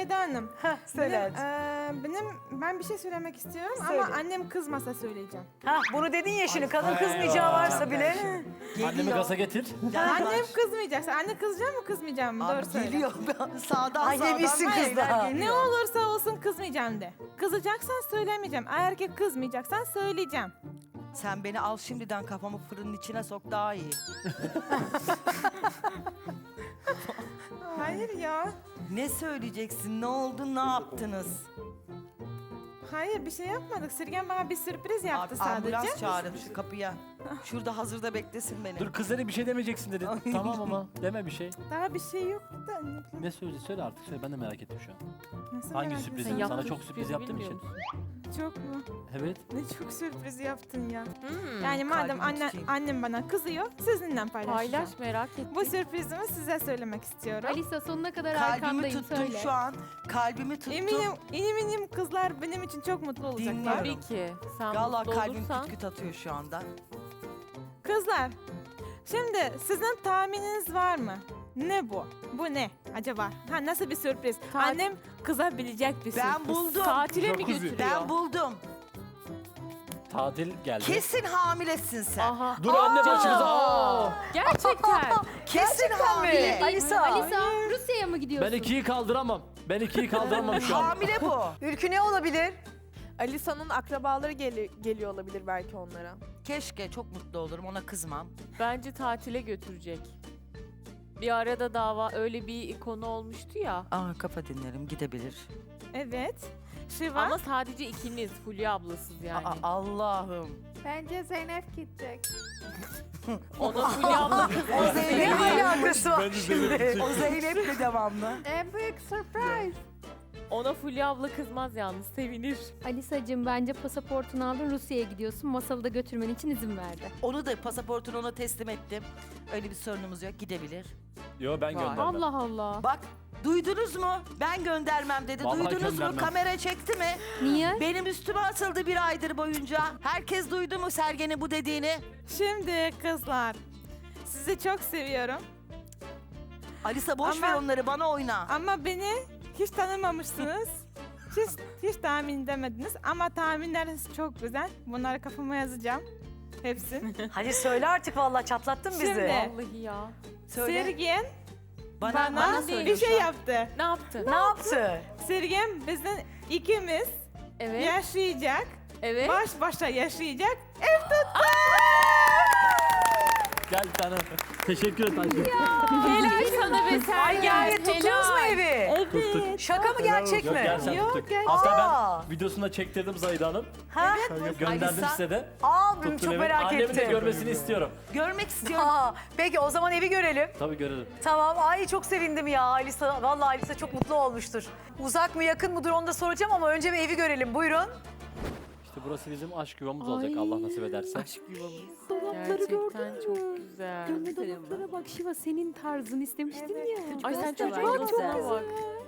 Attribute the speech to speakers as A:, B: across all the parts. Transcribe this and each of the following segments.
A: Zahide Hanım.
B: Söyle.
A: Ben bir şey söylemek istiyorum
B: Söyle.
A: ama annem kızmasa söyleyeceğim.
B: Bunu dedin ya şimdi kadın kızmayacağı varsa bile.
C: Annemi gaza getir.
A: Annem kızmayacaksa, anne kızacak mı kızmayacağım mı? Doğru söyle.
D: Geliyor sağdan
B: Ay yemişsin
D: sağdan.
B: kızlar.
A: Ne olursa olsun kızmayacağım de. Kızacaksan söylemeyeceğim. Eğer ki kızmayacaksan söyleyeceğim.
D: Sen beni al şimdiden kafamı fırının içine sok daha iyi.
A: Hayır ya.
D: Ne söyleyeceksin? Ne oldu? Ne yaptınız?
A: Hayır bir şey yapmadık. Sirgen bana bir sürpriz yaptı
D: Abi, ambulans
A: sadece.
D: çağırın şu kapıya. Şurada hazırda beklesin beni.
C: Dur kızlara bir şey demeyeceksin dedi. Tamam ama deme bir şey.
A: Daha bir şey yok da. Ne bileyim,
C: Ne söyleyeceksin söyle artık söyle ben de merak ettim şu an.
A: nasıl
C: Hangi
A: merak
C: sürpriz?
A: ediyorsun?
C: Sana çok sürpriz yaptığım için.
A: Çok mu?
C: Evet.
A: Ne çok sürpriz yaptın ya. Yani madem
D: kalbimi tutayım.
A: annem bana kızıyor, sizinle paylaşacağım.
E: Paylaş merak ettim.
A: Bu sürprizimi size söylemek istiyorum.
F: Alisa sonuna kadar
D: Kalbimi
F: arkandayım
D: tuttum
F: söyle.
D: şu an. Kalbimi tuttum.
A: Eminim kızlar benim için çok mutlu olacaklar.
D: Dinliyorum.
E: Tabii ki. Sen
D: Vallahi
E: mutlu
D: kalbim
E: olursan.
D: küt küt atıyor şu anda.
A: Kızlar, şimdi sizin tahmininiz var mı? Ne bu? Bu ne acaba? Ha nasıl bir sürpriz? Annem kızabilecek bir sürpriz.
D: Ben buldum.
E: Tatile mi
C: Çok üzüldüm.
E: götürüyor?
D: Ben buldum.
C: Tatil geldi.
D: Kesin hamilesin sen.
E: Aha.
C: Dur anne başımıza. Aa!
E: Gerçekten.
D: Kesin hamile.
B: Alisa.
F: Alisa Rusya'ya mı gidiyorsun?
C: Ben ikiyi kaldıramam. Ben ikiyi kaldıramam şu an.
D: Hamile bu.
B: Ülkü ne olabilir?
G: Alisa'nın akrabaları geliyor olabilir belki onlara.
D: Keşke çok mutlu olurum ona kızmam.
E: Bence tatile götürecek. Bir arada dava öyle bir konu olmuştu ya.
D: Aa kafa dinlerim gidebilir.
A: Evet. Şiva.
E: Ama sadece ikiniz. Fulya ablasız yani.
D: Aa, Allah'ım.
F: Bence Zeynep gidecek.
E: Ona Fulya abla
B: O Zeynep ne alakası var şimdi?
D: O Zeynep'le devamlı.
F: En büyük surprise.
E: Ona Fulya abla kızmaz yalnız. Sevinir.
F: Alisa'cığım bence pasaportunu aldın Rusya'ya gidiyorsun. Masalı da götürmen için izin verdi.
D: Onu da pasaportunu ona teslim ettim. Öyle bir sorunumuz yok gidebilir.
C: Yo ben
E: Vay.
C: göndermem.
F: Allah Allah.
D: Bak duydunuz mu? Ben göndermem dedi.
C: Vallahi
D: Duydunuz
C: göndermem.
D: mu? Kamera çekti mi?
F: Niye?
D: Benim üstüme atıldı bir aydır boyunca. Herkes duydu mu Sergen'in bu dediğini?
A: Şimdi kızlar. Sizi çok seviyorum.
D: Alisa boş
A: Ama-
D: ver onları bana oyna.
A: Ama beni hiç tanımamışsınız. Hiç tahmin edemediniz ama tahminleriniz çok güzel. Bunları kafama yazacağım. Hepsini.
B: Hadi söyle artık vallahi çatlattın bizi.
A: Şimdi.
E: Vallahi ya.
D: Söyle.
A: Sergen
D: Bana
A: bana
E: söyle
A: bir
E: şu
A: şey
E: an.
A: yaptı.
E: Ne yaptın?
B: Ne yaptı?
A: Sergen bizden ikimiz
E: Evet.
A: yaşayacak,
E: Evet.
A: baş başa yaşayacak.
C: Gel bir tane. Teşekkür et Ayşe.
E: Helal sana be Sergen.
B: Yani tuttunuz mu evi?
A: Evet.
B: Şaka mı gerçek
C: Yok
B: mi?
C: gel sen
A: Yok,
C: tuttuk.
A: gerçek.
C: Hatta
B: Aa.
C: ben videosunu da çektirdim Zahide Hanım.
B: Ha?
C: Gönderdim
D: Alisa.
C: size de.
B: Aa
C: Tuttum
B: çok
C: evi.
B: merak
C: Annemin de
B: ettim.
C: görmesini istiyorum.
D: görmek istiyorum.
B: Aa, peki o zaman evi görelim.
C: Tabii görelim.
B: Tamam. Ay çok sevindim ya Alisa. Vallahi Alisa çok mutlu olmuştur. Uzak mı yakın mıdır onu da soracağım ama önce bir evi görelim. Buyurun.
C: İşte burası bizim aşk yuvamız olacak Allah nasip ederse.
E: Gerçekten çok güzel.
F: Dolaplara bak Şiva senin tarzın istemiştin ya.
E: Ay sen
F: Çok
E: çocuğa
F: güzel.
E: bak.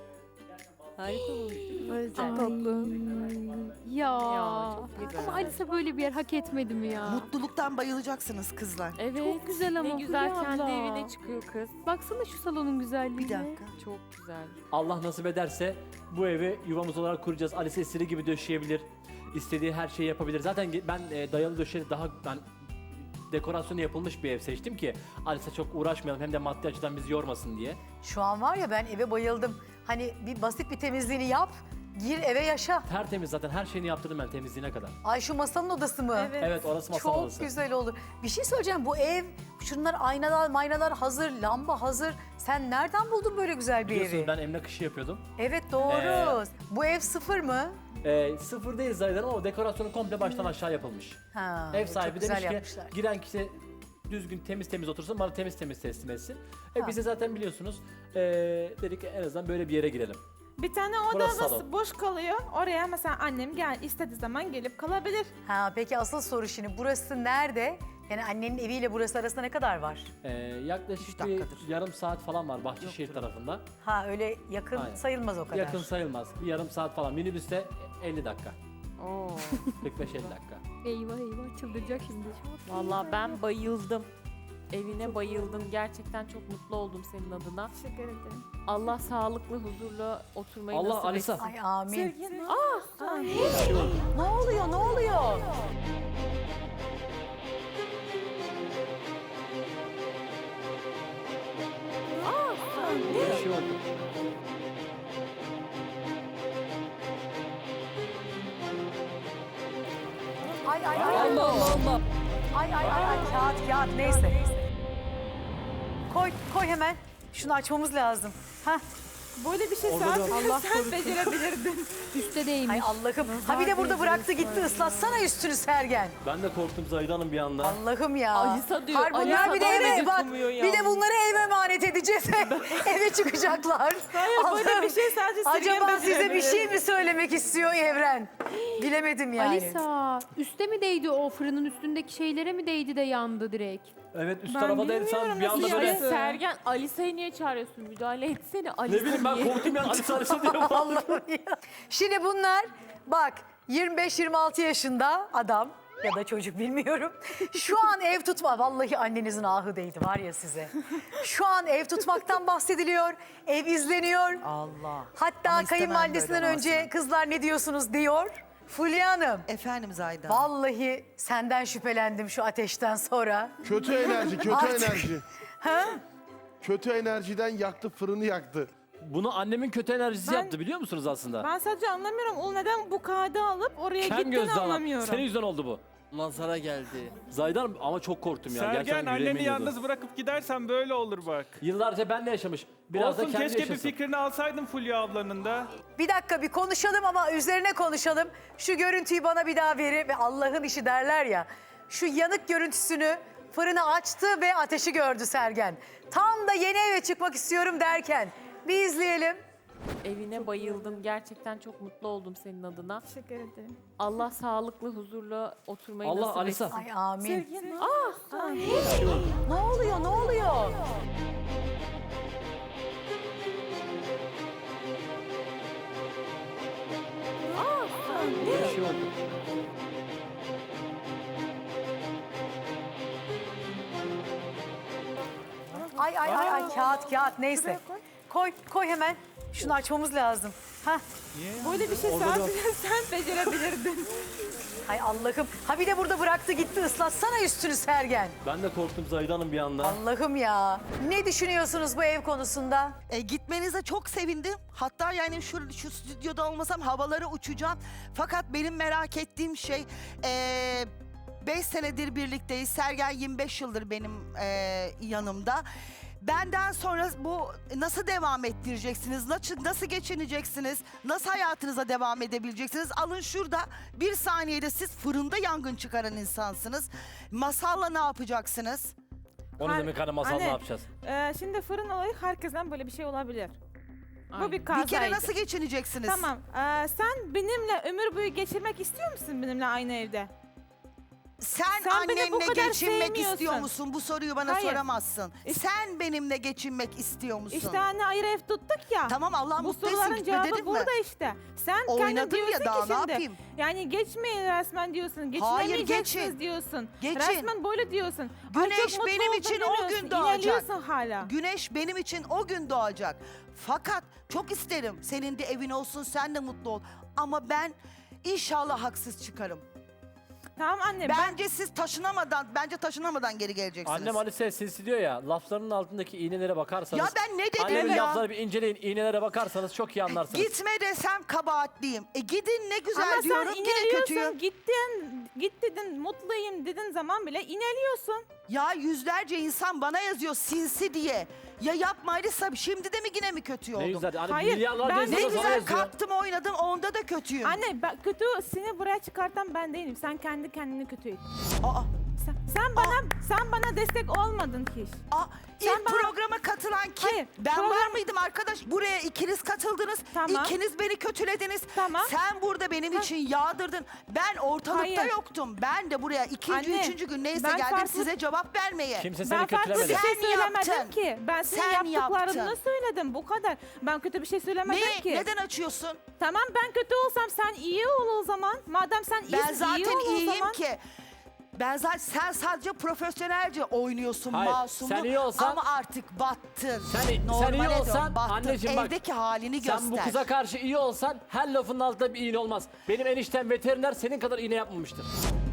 F: Ya.
E: Ya, çok güzel.
F: Ama Alisa böyle bir yer hak etmedi mi ya?
D: Mutluluktan bayılacaksınız kızlar.
E: Evet.
F: Çok güzel ama
E: Ne güzel
F: Fulya
E: kendi
F: abla.
E: evine çıkıyor kız.
F: Baksana şu salonun güzelliğine.
D: Bir dakika.
E: Çok güzel.
C: Allah nasip ederse bu evi yuvamız olarak kuracağız. Alice istediği gibi döşeyebilir. İstediği her şeyi yapabilir. Zaten ben dayalı döşeli daha ben dekorasyonu yapılmış bir ev seçtim ki Alice çok uğraşmayalım hem de maddi açıdan bizi yormasın diye.
B: Şu an var ya ben eve bayıldım. Hani bir basit bir temizliğini yap. Gir eve yaşa.
C: Tertemiz zaten her şeyini yaptırdım ben temizliğine kadar.
B: Ay şu masanın odası mı?
A: Evet.
C: Evet orası masa
B: Çok
C: odası.
B: güzel olur. Bir şey söyleyeceğim bu ev, şunlar aynalar maynalar hazır, lamba hazır. Sen nereden buldun böyle güzel bir
C: Biliyorsunuz
B: evi?
C: ben emlak işi yapıyordum.
B: Evet doğru. Bu ev sıfır mı?
C: Sıfır değil Zahide Hanım ama dekorasyonu komple baştan aşağı yapılmış.
B: Ha,
C: Ev
B: çok
C: sahibi
B: güzel
C: demiş ki
B: yapmışlar.
C: giren kişi düzgün temiz otursun bana temiz teslim etsin.
B: Ha.
C: Biz de zaten biliyorsunuz dedik en azından böyle bir yere girelim.
A: Bir tane
C: Burası
A: odamız
C: salon.
A: boş kalıyor. Oraya mesela annem gel istediği zaman gelip kalabilir.
B: Ha, peki asıl soru şimdi burası nerede? Yani annenin eviyle burası arasında ne kadar var?
C: Yaklaşık
D: 3
C: bir
D: dakikadır.
C: yarım saat falan var Bahçeşehir tarafında.
B: Ha öyle yakın
C: Aynen.
B: sayılmaz o kadar.
C: Yakın sayılmaz. Bir yarım saat falan. Minibüste 50 dakika.
E: Oo.
C: 45-50 dakika.
F: Eyvah eyvah çıldıracak şimdi.
E: Vallahi ben bayıldım. Evine bayıldım. Gerçekten çok mutlu oldum senin adına.
A: Teşekkür ederim.
E: Allah sağlıklı, huzurlu oturmayı
C: Allah
E: nasip
C: Alisa.
E: etsin.
B: Ay amin.
A: Sergen,
B: Ne oluyor ne oluyor?
C: Bir şey oldu.
B: Ay ay ay.
C: Allah Allah Allah.
B: Ay kağıt neyse. Koy hemen. Şunu açmamız lazım. Hah.
A: böyle bir şey
C: Orada
A: sadece
C: da-
A: sen becerebilirdin.
F: Üste değmiş.
B: Ay Allah'ım. Ha bir de burada bıraktı gitti ıslatsana üstünü Sergen.
C: Ben de korktum Zahide Hanım bir anda.
B: Allah'ım ya.
E: Alisa diyor,
B: Hayır, bunlar
E: Alisa
B: bir de
E: bana
B: eve bak.
E: dokunmuyor
B: Bir de
E: yalnız.
B: bunları eve emanet edeceğiz. Eve çıkacaklar.
A: Hayır böyle
B: Allah'ım.
A: bir şey sadece Sergen
B: Acaba size bir
A: becerebilir.
B: şey mi söylemek istiyor Evren? Bilemedim yani.
F: Alisa, üste mi değdi o fırının üstündeki şeylere mi değdi de yandı direkt?
C: Evet üst
A: Ben
C: tarafa değil
A: bilmiyorum
C: sen bir anda
A: nasıl
C: böyle...
A: yani.
E: Sergen, Alisa'yı niye çağırıyorsun? Müdahale etsene. Alisa
C: Ne bileyim ben
E: niye?
C: korktum ya Alisa Alisa diye bağırdım.
B: Allah'ım ya. Şimdi bunlar bak 25-26 yaşında adam ya da çocuk bilmiyorum. Şu an ev tutma. Vallahi annenizin ahı değdi var ya size. Şu an ev tutmaktan bahsediliyor. Ev izleniyor.
D: Allah.
B: Hatta
D: Ama istemem
B: kayınvalidesinden
D: böyle
B: önce kızlar ne diyorsunuz diyor. Fulya Hanım.
D: Efendim Zahide.
B: Vallahi senden şüphelendim şu ateşten sonra.
H: Kötü enerji, kötü
B: Artık-
H: enerji.
B: Ha?
H: Kötü enerjiden yaktı, fırını yaktı.
C: Bunu annemin kötü enerjisi
A: Ben-
C: yaptı biliyor musunuz aslında?
A: Ben sadece anlamıyorum. O neden bu kağıdı alıp oraya
C: Kem
A: gittiğini
C: gözlü adam.
A: anlamıyorum.
C: Senin yüzünden oldu bu.
I: Nazara geldi.
C: Zahide Hanım ama çok korktum ya.
J: Sergen
C: Gerçekten yüreğime
J: anneni
C: iniyordu.
J: yalnız bırakıp gidersen böyle olur bak.
C: Yıllarca benle yaşamış. Biraz
J: Olsun
C: da kendi
J: keşke
C: yaşasın.
J: bir fikrini alsaydın Fulya ablanın da.
B: Bir dakika bir konuşalım ama üzerine konuşalım. Şu görüntüyü bana bir daha verin ve Allah'ın işi derler ya. Şu yanık görüntüsünü fırını açtı ve ateşi gördü Sergen. Tam da yeni eve çıkmak istiyorum derken bir izleyelim.
E: Evine bayıldım. Gerçekten çok mutlu oldum senin adına.
A: Teşekkür ederim.
E: Allah sağlıklı, huzurlu oturmayı
C: Allah
E: nasip
C: Alisa.
E: etsin.
B: Ay amin.
A: Sergen,
B: Ne oluyor ne oluyor?
C: Bir şey oldu.
B: Ay kağıt neyse. Koy hemen. Şunu açmamız lazım. Hah.
A: böyle bir şey
C: Orada da-
A: sadece sen becerebilirdin.
B: Ay Allah'ım. Ha bir de burada bıraktı gitti ıslatsana üstünü Sergen.
C: Ben de korktum Zahide Hanım bir anda.
B: Allah'ım ya. Ne düşünüyorsunuz bu ev konusunda?
D: Gitmenize çok sevindim. Hatta yani şu stüdyoda olmasam havalara uçacağım. Fakat benim merak ettiğim şey 5 senedir birlikteyiz. Sergen 25 yıldır benim yanımda. Benden sonra bu nasıl devam ettireceksiniz? Nasıl geçineceksiniz? Nasıl hayatınıza devam edebileceksiniz? Alın şurada bir saniyede siz fırında yangın çıkaran insansınız. Masalla ne yapacaksınız?
C: Onu
A: Har-
C: demek hani masal
A: Anne,
C: ne yapacağız?
A: Şimdi fırın olayı herkesten böyle bir şey olabilir.
E: Aynen.
A: Bu bir
D: Bir
A: kazaydı.
D: kere nasıl geçineceksiniz?
A: Tamam. Sen benimle ömür boyu geçirmek istiyor musun benimle aynı evde?
D: Sen
A: Sen beni bu
D: annenle
A: kadar
D: geçinmek
A: sevmiyorsun.
D: istiyor musun? Bu soruyu bana
A: Hayır.
D: soramazsın.
A: İşte-
D: Sen benimle geçinmek istiyor musun?
A: İşte anne ayrı ev tuttuk ya.
D: Tamam Allah
A: Bu
D: mutlu etsin
A: soruların cevabı
D: gitme dedim mi?
A: burada işte. Sen kendin
D: Oynadım ya,
A: diyorsun
D: daha
A: ki
D: ne
A: şimdi.
D: yapayım?
A: Yani geçmeyin resmen diyorsun. Geçinemeyeceksiniz
D: geçin.
A: diyorsun.
D: Geçin.
A: Resmen böyle diyorsun. Ay,
D: Güneş
A: çok mutlu
D: benim
A: oldum
D: için o
A: demiyorsun.
D: gün doğacak.
A: İneliyorsun hala.
D: Güneş benim için o gün doğacak. Fakat çok isterim senin de evin olsun, sen de mutlu ol. Ama ben inşallah haksız çıkarım.
A: Tamam anne
D: Bence siz taşınamadan geri geleceksiniz.
C: Annem Alice'ye sinsi diyor ya, laflarının altındaki iğnelere bakarsanız...
D: Ya ben ne dedim
C: Annemin
D: ya?
C: lafları bir inceleyin, iğnelere bakarsanız çok iyi anlarsınız.
D: Gitme desem kabahatliyim. Gidin ne güzel
A: ama
D: diyorum
A: sen
D: yine
A: ineliyorsun.
D: kötüyüm.
A: Git dedin mutluyum dedin zaman bile ineliyorsun.
D: Ya yüzlerce insan bana yazıyor sinsi diye. Ya yapma Alisa, şimdi de mi yine mi kötü
C: Ne
D: oldum?
C: güzel. Hani
A: Hayır,
C: milyarlarca
A: ben
C: insan
D: Ne
C: sana
D: güzel
C: yazıyor.
D: kalktım oynadım, onda da kötüyüm.
A: Anne kötü seni buraya çıkartan ben değilim. Sen kendi kendini kötü ettin.
D: Aa,
A: Sen bana destek olmadın hiç. Sen
D: ilk
A: bana-
D: programa katılan kim?
A: Hayır,
D: Ben
A: program-
D: var mıydım arkadaş? Buraya ikiniz katıldınız.
A: Tamam.
D: İkiniz beni kötülediniz.
A: Tamam.
D: Sen burada benim için yağdırdın. Ben ortalıkta
A: Hayır.
D: yoktum. Ben de buraya ikinci,
A: Anne,
D: üçüncü gün neyse
A: ben
D: geldim
A: farklı-
D: size cevap vermeye.
C: Kimse
A: Ben
C: seni
A: farklı bir
C: kötülemedi.
A: şey
D: Sen
A: söylemedim
D: yaptın.
A: ki. Ben senin
D: Sen
A: yaptıklarını
D: yaptın.
A: söyledim. Bu kadar. Ben kötü bir şey söylemedim
D: Neyi?
A: ki.
D: Neden açıyorsun?
A: Tamam ben kötü olsam sen iyi ol o zaman. Madem sen iyisin
D: Ben zaten
A: iyi ol o
D: iyiyim
A: zaman.
D: ki. Ben zaten sen sadece profesyonelce oynuyorsun
C: Hayır,
D: masumlu
C: sen iyi olsan-
D: ama artık battın.
C: Sen iyi
D: Normale dön,
C: olsan
D: battın.
C: anneciğim bak.
D: Evdeki halini göster.
C: Sen bu kıza karşı iyi olsan her lafın altında bir iğne olmaz. Benim eniştem veteriner senin kadar iğne yapmamıştır.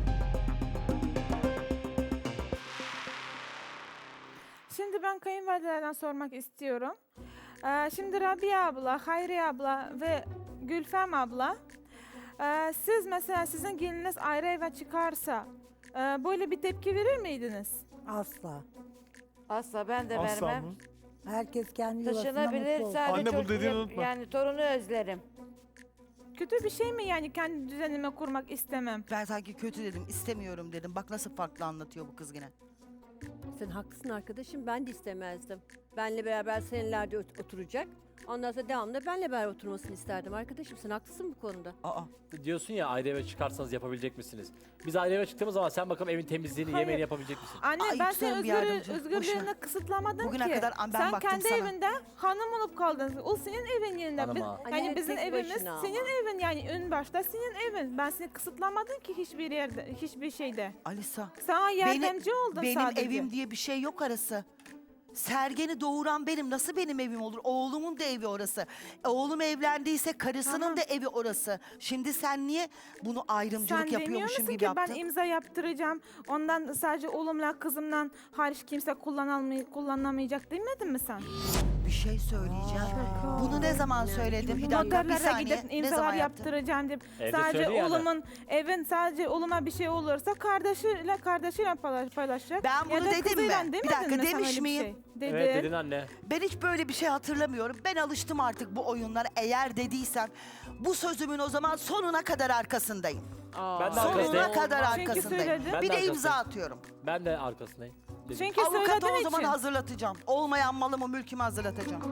A: Şimdi ben kayınvalidelerden sormak istiyorum. Şimdi Rabia abla, Hayriye abla ve Gülfem abla, siz mesela sizin geliniz ayrı eve çıkarsa böyle bir tepki verir miydiniz?
I: Asla.
K: Asla ben de
H: Asla
K: vermem.
H: mı?
I: Herkes kendi yuvasında
K: Taşınabilir
I: mutlu olsun.
K: sadece
H: Anne, bu
K: çocuğu
H: dediğini unutma.
K: yani torunu özlerim.
A: Kötü bir şey mi yani kendi düzenime kurmak istemem?
D: Ben sanki kötü dedim, istemiyorum dedim. Bak nasıl farklı anlatıyor bu kız yine.
L: Sen haklısın arkadaşım, ben de istemezdim. Benle beraber senelerde oturacak. Ondan sonra devamlı benle beraber oturmasını isterdim arkadaşım. Sen haklısın bu konuda.
D: Aa.
C: Diyorsun ya ayrı eve çıkarsanız yapabilecek misiniz? Biz ayrı eve çıktığımız zaman sen bakalım evin temizliğini,
A: Hayır.
C: yemeğini yapabilecek misin?
A: Anne
D: Ay,
A: ben
D: lütfen
A: senin
D: bir yardımcı.
A: özgürlüğünü
D: Boşver.
A: kısıtlamadım
D: Bugüne
A: ki.
D: kadar ben
A: Sen
D: baktım
A: kendi
D: sana.
A: evinde hanım olup kaldın. O senin evin yerinde.
C: Hanıma.
A: Yani
L: Anne,
A: bizim
L: tek
A: evimiz
L: başına ama.
A: senin evin yani ön başta senin evin. Ben seni kısıtlamadım ki hiçbir yerde, hiçbir şeyde.
D: Alisa.
A: Sana yardımcı oldum
D: benim
A: sadece.
D: evim diye bir şey yok arası. Sergen'i doğuran benim. Nasıl benim evim olur? Oğlumun da evi orası. Oğlum evlendiyse karısının
A: Tamam.
D: da evi orası. Şimdi sen niye bunu ayrımcılık
A: Sen demiyor
D: yapıyormuşum
A: musun
D: gibi
A: ki
D: yaptın?
A: ben imza yaptıracağım. Ondan sadece oğlumla kızımdan hariç kimse kullanamayacak demedin mi sen?
D: Bir şey söyleyeceğim. Bunu ne zaman söyledim? Bir dakika, bir
A: Noterlere
D: saniye.
A: gidip
D: Ne
A: imzalar
D: zaman yaptın?
A: yaptıracağım deyip
C: Evde
A: sadece
C: söyledi yani.
A: oğlumun evin sadece oğluma bir şey olursa kardeşiyle paylaşacak.
D: Ben bunu
A: Ya da
D: dedim mi?
A: kızıyla
D: Bir
A: demedin
D: dakika,
A: mi sen
D: demiş
A: öyle bir
D: miyim?
A: Şey? Dedin.
C: Evet dedin anne.
D: Ben hiç böyle bir şey hatırlamıyorum. Ben alıştım artık bu oyunlara. Eğer dediysem bu sözümün o zaman sonuna kadar arkasındayım.
C: Ben de
D: Sonuna
C: arkasındayım.
D: kadar
A: Çünkü
D: arkasındayım.
A: söyledin.
C: Ben
D: Bir
C: de
D: de imza
C: arkasındayım.
D: atıyorum.
C: Ben de arkasındayım. Dedim.
A: Çünkü
D: Avukatı
A: söylediğin
D: o zaman
A: için.
D: hazırlatacağım. Olmayan malımı mülkümü hazırlatacağım.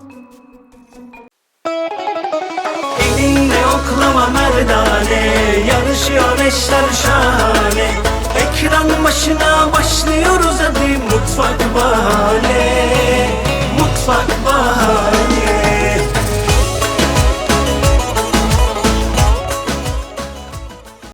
M: Elinle oklama merdane, yarışıyor eşler şahane. Ekran başına başlıyoruz hadi mutfak bahane.